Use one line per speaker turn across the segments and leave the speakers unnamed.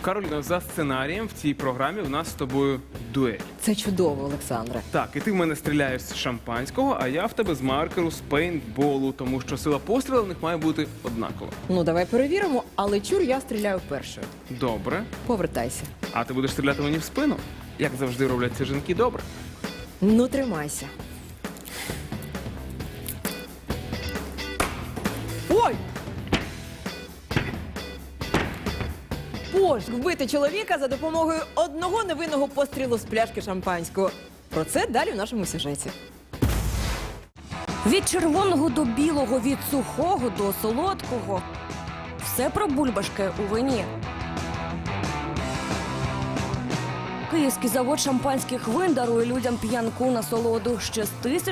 Кароліна, за сценарієм в цій програмі у нас з тобою дуель.
Це чудово, Олександре.
Так, і ти в мене стріляєш з шампанського, а я в тебе з маркеру, з пейнтболу, тому що сила пострілу в них має бути однакова.
Ну, давай перевіримо, але чур, я стріляю першою.
Добре.
Повертайся.
А ти будеш стріляти мені в спину? Як завжди роблять ці жінки, добре.
Ну, тримайся. Ой! Боже, вбити чоловіка за допомогою одного невинного пострілу з пляшки шампанського. Про це далі в нашому сюжеті.
Від червоного до білого, від сухого до солодкого. Все про бульбашки у вині. Київський завод шампанських вин дарує людям п'янку насолоду ще з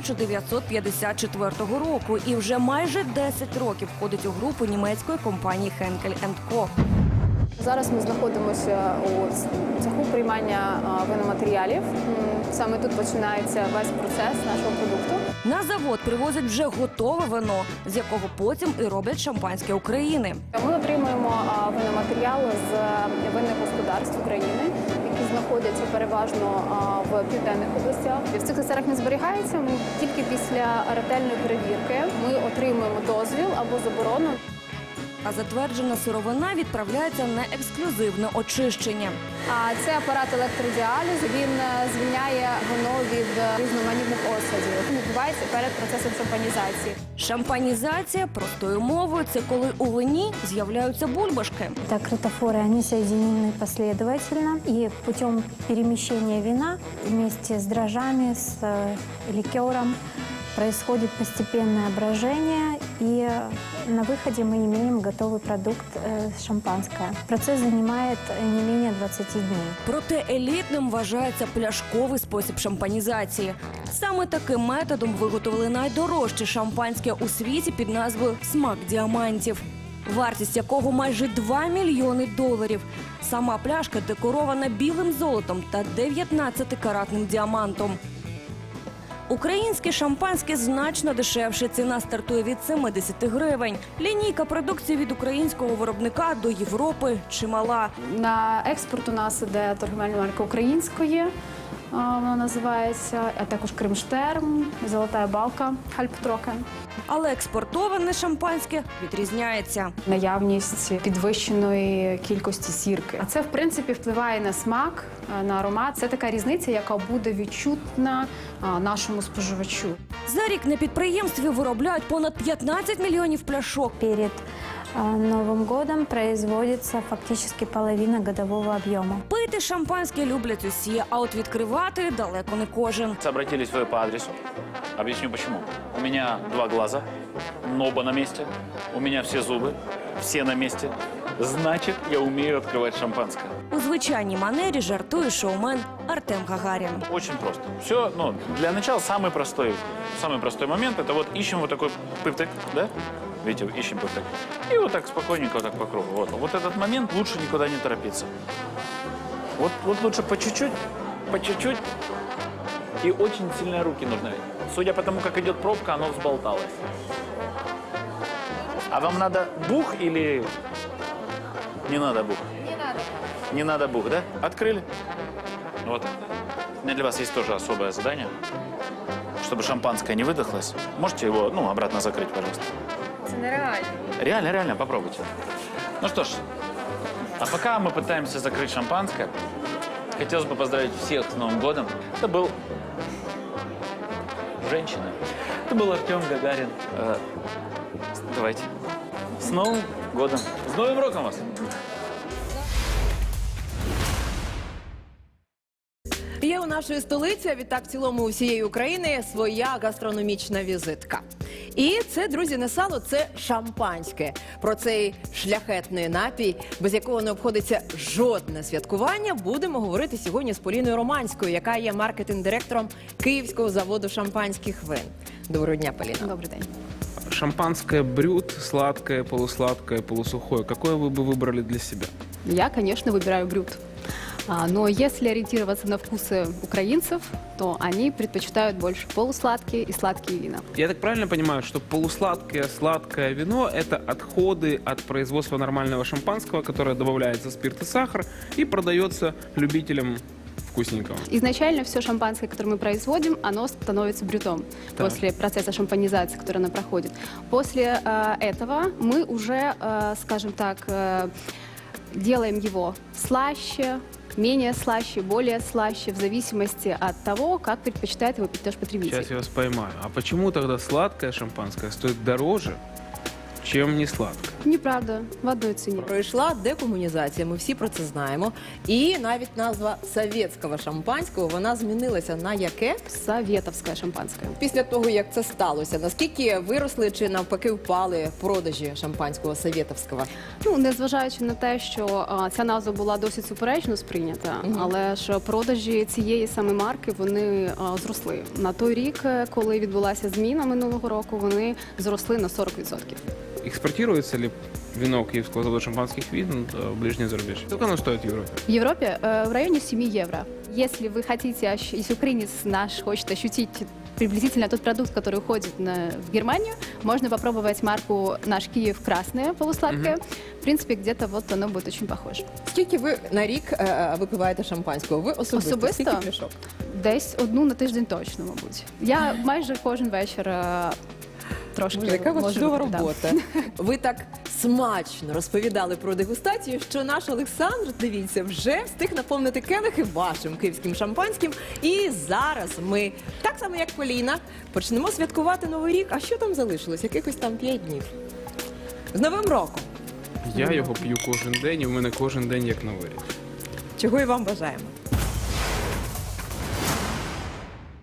1954 року і вже майже 10 років входить у групу німецької компанії Henkel & Co.
Зараз ми знаходимося у цеху приймання виноматеріалів. Саме тут починається весь процес нашого продукту.
На завод привозять вже готове вино, з якого потім і роблять шампанське України.
Ми отримуємо виноматеріали з винних господарств України, які знаходяться переважно в південних областях. В цих цехах не зберігається. Ми тільки після ретельної перевірки ми отримуємо дозвіл або заборону.
А затверджена сировина відправляється на ексклюзивне очищення.
Це апарат електродіалізу. Він звільняє вино від різноманітних осадів. Він відбувається перед процесом шампанізації.
Шампанізація, простою мовою, це коли у вині з'являються бульбашки.
Так, кротофоры, они соединены последовательно, и путем перемещения вина вместе с дрожжами, с ликером происходит постепенное брожение, и на выходе мы имеем готовый продукт шампанское. Процесс занимает не менее 20 дней.
Проте елітним вважається пляшковий спосіб шампанізації. Саме таким методом виготовили найдорожче шампанське у світі під назвою «Смак діамантів», вартість якого майже $2 мільйони. Сама пляшка декорована білим золотом та 19-каратним діамантом. Українське шампанське значно дешевше. Ціна стартує від 70 гривень. Лінійка продукції від українського виробника до Європи чимала.
На експорт у нас іде торгівельна марка української, вона називається, а також Кримштерм, Золота балка, Хальптрокен.
Але експортоване шампанське відрізняється.
Наявність підвищеної кількості сірки. А це, в принципі, впливає на смак, на аромат. Це така різниця, яка буде відчутна нашому споживачу.
За рік на підприємстві виробляють понад 15 мільйонів пляшок.
Перед Новым годом производится фактически половина годового объема.
Пити шампанське люблять усі, а от відкривати далеко не кожен.
Обратились вы по адресу. Объясню почему. У меня 2 глаза, оба на месте. У меня все зубы, все на месте. Значит, я умею открывать шампанское.
У звичайній манері жартує шоумен Артем Гагарін.
Очень просто. Все, для начала самый простой момент. Это вот ищем вот такой пыптык, да? Видите, ищем пыптык. И вот так спокойненько, вот так по кругу. Вот этот момент лучше никуда не торопиться. Вот лучше по чуть-чуть. И очень сильные руки нужны. Судя по тому, как идет пробка, оно взболталось. А вам надо бух или не надо бух?
Не надо.
Не надо бух, да? Открыли. Вот. У меня для вас есть тоже особое задание. Чтобы шампанское не выдохлось. Можете его, обратно закрыть, пожалуйста.
Це нереально.
Реально, попробуйте. Ну что ж, а пока мы пытаемся закрыть шампанское, хотелось бы поздравить всех с Новым годом. Это был женщина. Это был Артем Гагарин. Давайте. С Новым годом. С Новым роком вас!
Є у нашої столиці, а відтак в цілому усієї України, своя гастрономічна візитка. І це, друзі, не сало, це шампанське. Про цей шляхетний напій, без якого не обходиться жодне святкування, будемо говорити сьогодні з Поліною Романською, яка є маркетинг-директором Київського заводу шампанських вин. Доброго дня, Поліна.
Добрий день.
Шампанское брют, сладкое, полусладкое, полусухое. Какое вы бы выбрали для себя?
Я, конечно, выбираю брют. Но если ориентироваться на вкусы украинцев, то они предпочитают больше полусладкие и сладкие вина.
Я так правильно понимаю, что полусладкое, сладкое вино – это отходы от производства нормального шампанского, которое добавляется спирт и сахар и продается любителям вкусненького.
Изначально все шампанское, которое мы производим, оно становится брютом
Так.
после процесса шампанизации, который оно проходит. После этого мы уже, скажем так, делаем его слаще, менее слаще, более слаще, в зависимости от того, как предпочитает его пить наш потребитель.
Сейчас я вас поймаю. А почему тогда сладкое шампанское стоит дороже, чем не сладкое?
Неправда, в одной ціні.
Пройшла декомунізація, ми всі про це знаємо. І навіть назва совєтського шампанського, вона змінилася на яке?
Советовское шампанское.
Після того, як це сталося, наскільки виросли чи навпаки впали продажі шампанського совєтовського?
Ну, незважаючи на те, що ця назва була досить суперечно сприйнята, але ж продажі цієї саме марки, вони зросли. На той рік, коли відбулася зміна минулого року, вони зросли на 40%.
Экспортируется ли вино Киевского завода шампанских вин в ближний зарубеж? Сколько оно стоит в Европе?
В Европе в районе 7 евро. Если вы хотите, если украинец наш хочет ощутить приблизительно тот продукт, который уходит в Германию, можно попробовать марку «Наш Киев» красное, полусладкое. В принципе, где-то вот оно будет очень похоже.
Скільки ви на рік випиваєте шампанського? Ви особисто?
Особисто?
Скільки пляшок?
Десь одну на тиждень точно, мабуть. Я майже кожен вечір трошки
Боже, яка у вас
можу
чудова
випити, да.
робота. Ви так смачно розповідали про дегустацію, що наш Олександр, дивіться, вже встиг наповнити келихи вашим київським шампанським. І зараз ми, так само як Поліна, почнемо святкувати Новий рік. А що там залишилось? Якихось там 5 днів. З Новим роком!
Я його п'ю кожен день, і в мене кожен день як новий рік.
Чого і вам бажаємо.